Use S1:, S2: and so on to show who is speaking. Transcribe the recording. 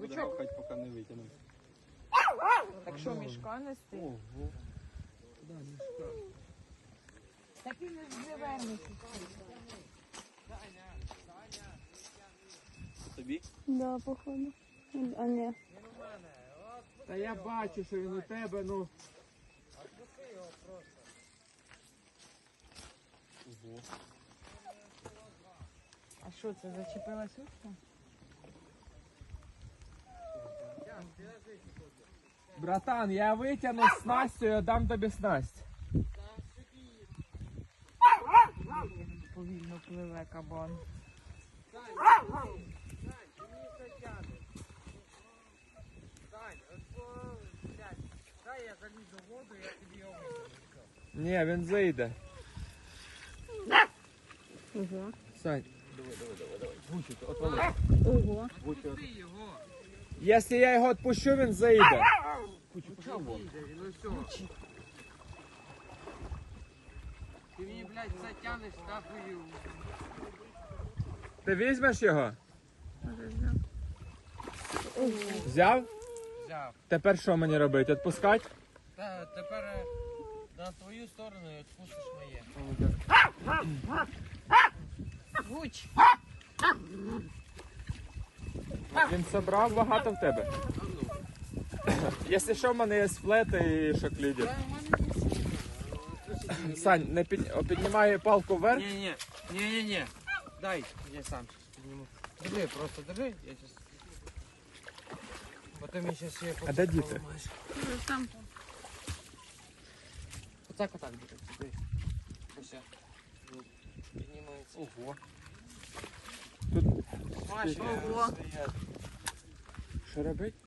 S1: буде гавкати, поки не витягнемо.
S2: Так що, мішка нести?
S1: Ого. Да, мішка.
S2: Так і не звернеться.
S1: Тобі?
S3: Да, походу. А ні.
S4: Та я бачу, що він у тебе, ну.
S1: Ого.
S2: А що це, зачепилась утка?
S4: Братан, я витягну снастю і дам тобі снасть.
S2: Повільно пливе кабан.
S5: Дай я залізу в воду, я тобі його витягну.
S4: Ні, він зайде.
S3: Ого.
S4: Сань.
S3: Ого.
S5: Пусти його.
S4: Якщо я його відпущу, він зайде.
S5: Їде, ну все. Ти мені, блядь, це тянеш нахуй.
S4: Ти візьмеш його?
S3: Ого.
S4: Взяв?
S5: Взяв.
S4: Тепер що мені робити? Відпускати?
S5: Та тепер на твою сторону і відпустиш моє.
S2: Гуч!
S4: Він собрав багато в тебе. Якщо що, в мене є флети і шокліді.
S5: Та в мене не все.
S4: Сань, не піднімай палку вверх.
S5: Ні. Дай, я сам сейчас підніму. Держи, просто держи, я сейчас... Потім я сейчас ще...
S4: А де діти?
S3: Там.
S5: Отак, держи. Ось. Піднімається.
S1: Ого.
S4: Тут
S5: Смачно.
S3: Ого.
S4: що робить?